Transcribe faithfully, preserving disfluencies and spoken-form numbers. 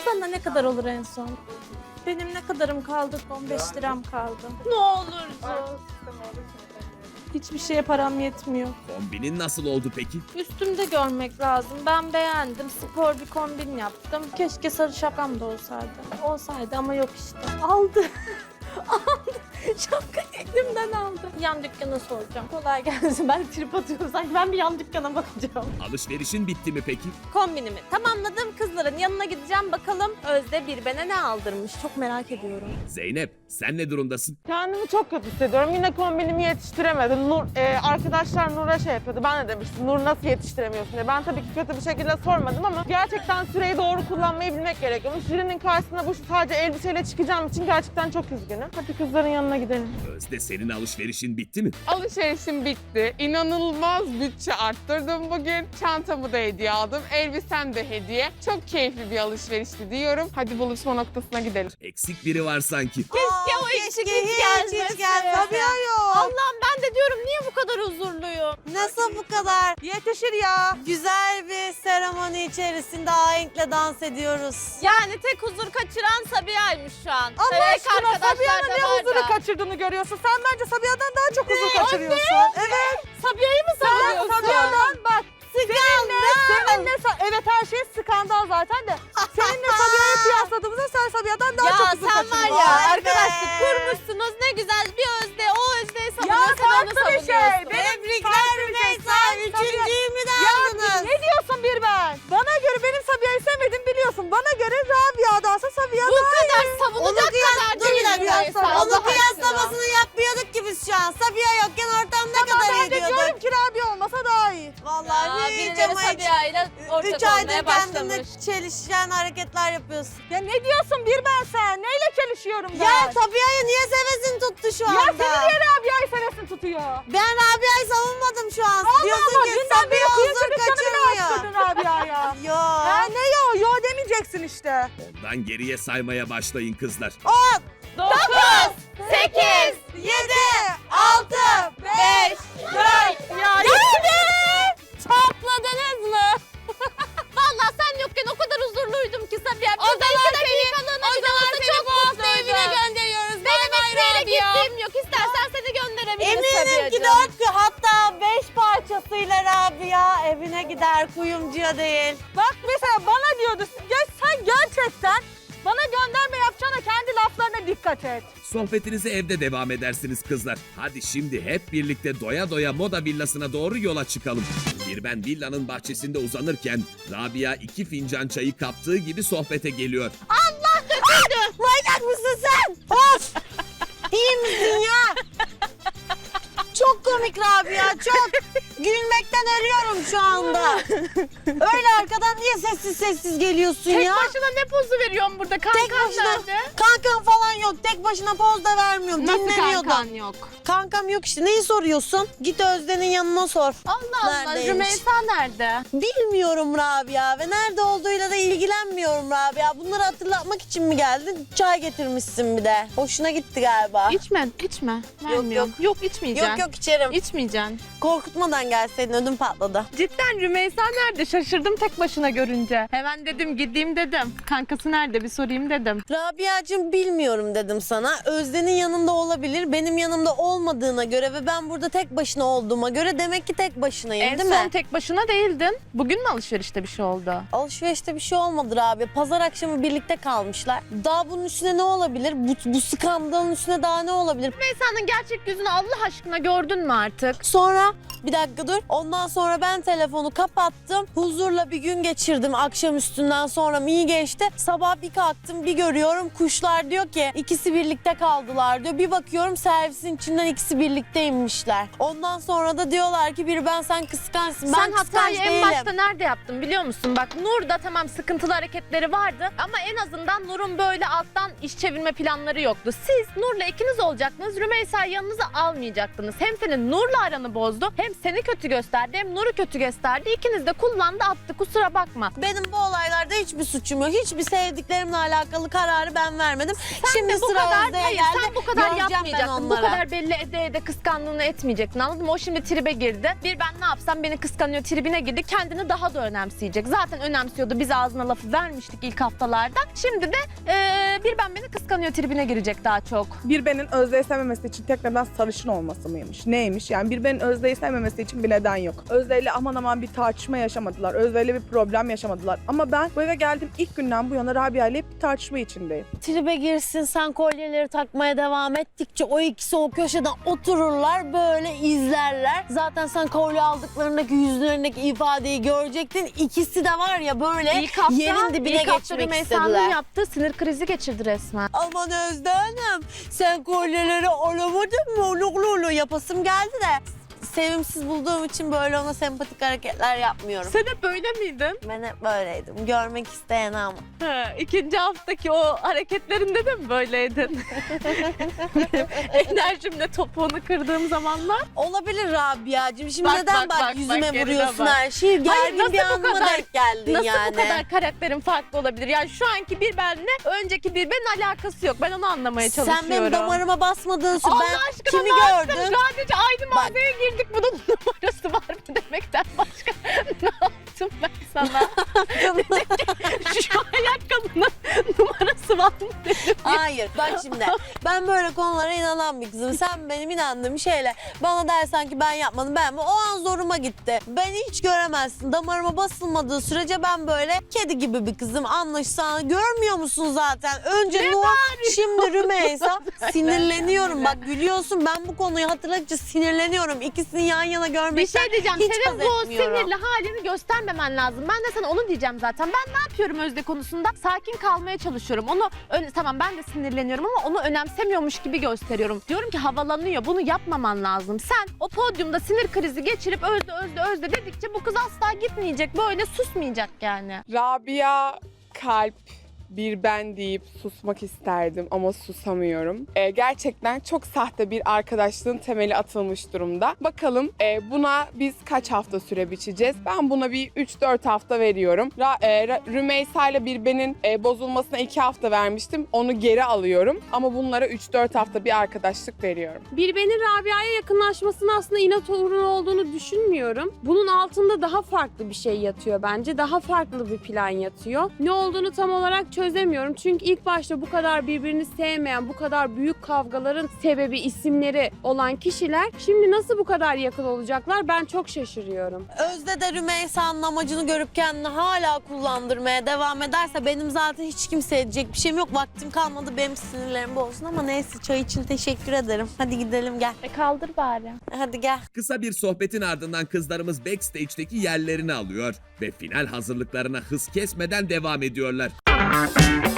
Sana ne kadar olur en son? Benim ne kadarım kaldı? on beş liram kaldı. Ne olursun. Hiçbir şeye param yetmiyor. Kombinin nasıl oldu peki? Üstümde görmek lazım. Ben beğendim. Spor bir kombin yaptım. Keşke sarı şapkam da olsaydı. Olsaydı ama yok işte. Aldı. Aldı. Şapkayı elimden aldı. Yan dükkana soracağım. Kolay gelsin. Ben trip atıyorum. Sanki ben bir yan dükkana bakacağım. Alışverişin bitti mi peki? Kombinimi tamamladım. Kızların yanına gideceğim. Bakalım Özde bir bana ne aldırmış. Çok merak ediyorum. Zeynep, sen ne durumdasın? Kendimi çok kötü hissediyorum. Yine kombinimi yetiştiremedim. Nur, e, arkadaşlar Nur'a şey yapıyordu. Ben de demiştim Nur nasıl yetiştiremiyorsun diye. Ben tabii ki kötü bir şekilde sormadım ama gerçekten süreyi doğru kullanmayı bilmek gerekiyormuş. Jürinin karşısına bu sadece elbiseyle çıkacağım için gerçekten çok üzgünüm. Hadi kızların yanına gidelim. Özde, senin alışverişin bitti mi? Alışverişim bitti. İnanılmaz bütçe arttırdım bugün. Çantamı da hediye aldım. Elbisem de hediye. Çok keyifli bir alışverişti diyorum. Hadi buluşma noktasına gidelim. Eksik biri var sanki. Keşke o eksiklik gelmesin. Tabii ya yok. Allah'ım ben de diyorum niye bu kadar huzurluyum? Nasıl bu kadar? Yetişir ya. Güzel bir seremoni içerisinde ahenkle dans ediyoruz. Yani tek huzur kaçıran Sabiha'ymış şu an. Allah Belki aşkına arkadaşlar Sabiha'nın da ne var huzuru da. kaçırdığını görüyorsun. Sen bence Sabiha'dan daha çok huzur kaçırıyorsun. Evet. Sabiha'yı mı savunuyorsun? Sabiha'dan bak. Seninle, seninle, evet her şey skandal zaten de. Seninle Sabiha'yı kıyasladığımızda sen Sabiha'dan daha çok Ya huzur sen var kaçırıyorsun. ya Vay be. arkadaşlık kurmuşsunuz ne güzel bir Özde o Özde'yi Ya savunuyor sen onu farklı bir şey. savunuyorsun. Benim Tebrikler Rümeysa. Üçüncüyü mü de aldınız? Ne diyorsun bir ben? Bana göre benim Sabiha'yı sevmedim biliyorsun. Bana göre Rabia'dansa Sabiha Bu daha kadar iyi. savunacak kadar Dur bir değil dakika. Rümeysa, Onu Allah kıyaslamasını yapmıyorduk ki biz şu an. Sabiha yokken ortam ne Ama kadar ben iyi de diyorduk. diyorum ki Rabia olmasa daha iyi. Vallahi Ya, hiç birileri ama hiç. Sabiha ile Üç ortak aydır olmaya kendine başlamış. çelişen hareketler yapıyorsun. Ya ne diyorsun bir ben sen? Neyle çelişiyorum ben? Ya Sabiha'yı niye sevesin tuttu şu Ya anda? seni niye Rabia'yı sevesin tutuyor? Ben Rabia'yı savunmadım şu an. Allah Diyorsun Allah ki dünden beri Sabiha kıyıcı huzur dükkanı bile kaçırmıyor. açtırdın Rabia'ya. Yo. Ya ne yo yo demeyeceksin işte. Ondan geriye saymaya başlayın kızlar. dokuz, sekiz, Yedi, altı, beş, dört. ya topladınız mı? Vallahi sen yokken o kadar huzurluydum ki Sabiha. O Biz de zaman iki dakikalığına o bile zaman olsa seni çok bu hafta mutluydum. evine gönderiyoruz. Bay Benim bay hiçbir yere Rabia. gittiğim yok. İstersen seni gönderebiliriz Eminim ki Sabiha'cığım. dört hatta beş parçasıyla Rabia evine gider kuyumcuya değil. Bak mesela bana diyordu. Ya sen gerçekten bana gönderme yapacağına kendi laflarına dikkat et. Sohbetinize evde devam edersiniz kızlar. Hadi şimdi hep birlikte doya doya moda villasına doğru yola çıkalım. Bir ben villanın bahçesinde uzanırken Rabia iki fincan çayı kaptığı gibi sohbete geliyor. Manyak mısın sen? Of! İyi misin ya? Çok komik Rabia, çok. Gülmekten ölüyorum şu anda. Öyle arkadan niye sessiz sessiz geliyorsun Tek ya? başına ne pozu veriyorsun burada? Tek Kankan başına nerede? kankan falan yok. Tek başına poz da vermiyorum. Nasıl Dinlemiyordum. kankan yok? Kankam yok işte. Neyi soruyorsun? Git Özden'in yanına sor. Allah Allah. Neredeymiş? Rümeysa nerede? Bilmiyorum Rabia ve nerede olduğuyla da ilgilenmiyorum Rabia. Bunları hatırlatmak için mi geldin? Çay getirmişsin bir de. Hoşuna gitti galiba. İçme, içme. Vermiyorum. yok. Yok, içmeyeceksin. Yok yok içerim. İçmeyeceksin. Korkutmadan gelseydin ödüm patladı. Cidden Rümeysa nerede? Şaşırdım tek başına görünce. Hemen dedim gideyim dedim. Kankası nerede bir sorayım dedim. Rabia'cığım bilmiyorum dedim sana. Özden'in yanında olabilir. Benim yanımda olmadığına göre ve ben burada tek başına olduğuma göre demek ki tek başınayım En değil son mi? tek başına değildin. Bugün mü alışverişte bir şey oldu? Alışverişte bir şey olmadı Rabia. Pazar akşamı birlikte kalmışlar. Daha bunun üstüne ne olabilir? Bu, bu skandalın üstüne daha ne olabilir? Rümeysa'nın gerçek yüzünü Allah aşkına gördün mü artık? Sonra bir dakika dur. Ondan sonra ben telefonu kapattım. Huzurla bir gün geçirdim akşam üstünden sonra iyi geçti. Sabah bir kalktım bir görüyorum kuşlar diyor ki ikisi birlikte kaldılar diyor. Bir bakıyorum servisin içinden ikisi birlikteymişler. Ondan sonra da diyorlar ki biri ben sen kıskançsın. Sen Ben kıskanç hatayı en değilim. başta nerede yaptın biliyor musun? Bak Nur da tamam sıkıntılı hareketleri vardı ama en azından Nur'un böyle alttan iş çevirme planları yoktu. Siz Nur'la ikiniz olacaktınız. Rümeysa'yı yanınıza almayacaktınız. Hem senin Nur'la aranı bozdu hem seni kötü gösterdi hem Nur'u kötü gösterdi. İkiniz de kullandı attı, kusura bakma. Benim bu olaylarda hiçbir suçum yok. Hiçbir sevdiklerimle alakalı kararı ben vermedim. Sen Şimdi de bu sıra kadar, Özde'ye hayır, geldi. sen bu kadar Göreceğim ben yapmayacaktın. Bu onlara. kadar belli ede ede kıskandığını etmeyecektin, anladın mı? O şimdi tribe girdi. Bir ben ne yapsam beni kıskanıyor tribine girdi. Kendini daha da önemseyecek. Zaten önemsiyordu. Biz ağzına lafı vermiştik ilk haftalarda. Şimdi de eee, bir ben beni kıskanıyor tribine girecek daha çok. Bir benin Özde'yi sevmemesi için tek neden sarışın olması mıymış? Neymiş? Yani bir benin Özde'yi sevmemesi için bir neden yok. Özde'yle aman aman bir tartışma yaşamadılar. Özde'yle bir problem yaşamadılar. Ama ben bu eve geldiğim ilk günden bu yana Rabia ile hep bir tartışma içindeyim. Tribe girsin, sen kolyeleri takmaya devam ettikçe o ikisi o köşeden otururlar, böyle izlerler. Zaten sen kolye aldıklarındaki yüzlerindeki ifadeyi görecektin. İkisi de var ya böyle İlk hafta, yerin dibine ilk hafta geçmek Rümeysa'nın istediler. yaptığı sinir krizi geçirdi resmen. Aman Özde Hanım, sen kolyeleri alamadın mı? Ulu ulu ulu yapasım geldi de. Sevimsiz bulduğum için böyle ona sempatik hareketler yapmıyorum. Sen hep böyle miydin? Ben hep böyleydim. Görmek isteyen ama. Ha, ikinci haftaki o hareketlerinde de mi böyleydin? Enerjimle topuğunu kırdığım zamanlar. Olabilir Rabia'cığım. Şimdi Bak, neden bak, bak, bak, yüzüme bak, geride vuruyorsun bak. her şeyi? Hayır, Gergin bir nasıl bu anıma kadar- denk geldin Nasıl yani. bu kadar karakterin farklı olabilir? Yani şu anki bir benle önceki bir benin alakası yok. Ben onu anlamaya çalışıyorum. Sen benim damarıma basmadığın sürece Allah ben aşkına kimi ne yaptım? gördüm? Sadece aynı mağazaya girdik. Bunun numarası var mı demekten başka ne yaptım ben sana? Şu ayakkabının numarası var mı dedim. Hayır bak şimdi ben böyle konulara inanan bir kızım. Sen benim inandığım şeyle bana dersen ki ben yapmadım ben mi? O an zoruma gitti. Beni hiç göremezsin. Damarıma basılmadığı sürece ben böyle kedi gibi bir kızım. Anlaşsan görmüyor musun zaten? Önce Nur, şimdi Rümeysa. Sinirleniyorum bak gülüyorsun. Ben bu konuyu hatırladıkça sinirleniyorum. İkisini yan yana Bir görmekten şey diyeceğim. hiç Senin haz bu etmiyorum. sinirli halini göstermemen lazım. Ben de sana onu diyeceğim zaten. Ben ne yapıyorum Özde konusunda? Sakin kalmaya çalışıyorum. Onu ön- tamam ben de sinirleniyorum ama onu önemsemiyormuş gibi gösteriyorum. Diyorum ki havalanıyor. Bunu yapmaman lazım. Sen o podyumda sinir krizi geçirip Özde Özde Özde dedikçe bu kız asla gitmeyecek. Böyle susmayacak yani. Rabia kalp bir ben deyip susmak isterdim ama susamıyorum. Ee, gerçekten çok sahte bir arkadaşlığın temeli atılmış durumda. Bakalım e, buna biz kaç hafta süre biçeceğiz? Ben buna bir üç dört hafta veriyorum. Ra, e, Ra- Rümeysa ile bir benin e, bozulmasına iki hafta vermiştim. Onu geri alıyorum. Ama bunlara üç dört hafta bir arkadaşlık veriyorum. Birbenin Rabia'ya yakınlaşmasının aslında inat uğruna olduğunu düşünmüyorum. Bunun altında daha farklı bir şey yatıyor bence. Daha farklı bir plan yatıyor. Ne olduğunu tam olarak çözemiyorum. Çünkü ilk başta bu kadar birbirini sevmeyen, bu kadar büyük kavgaların sebebi, isimleri olan kişiler şimdi nasıl bu kadar yakın olacaklar? Ben çok şaşırıyorum. Özde de Rümeysa'nın amacını görüp kendini hala kullandırmaya devam ederse benim zaten hiç kimse edecek bir şeyim yok. Vaktim kalmadı benim sinirlerim bozsun ama neyse çay için teşekkür ederim. Hadi gidelim gel. E kaldır bari. Hadi gel. Kısa bir sohbetin ardından kızlarımız backstage'deki yerlerini alıyor ve final hazırlıklarına hız kesmeden devam ediyorlar.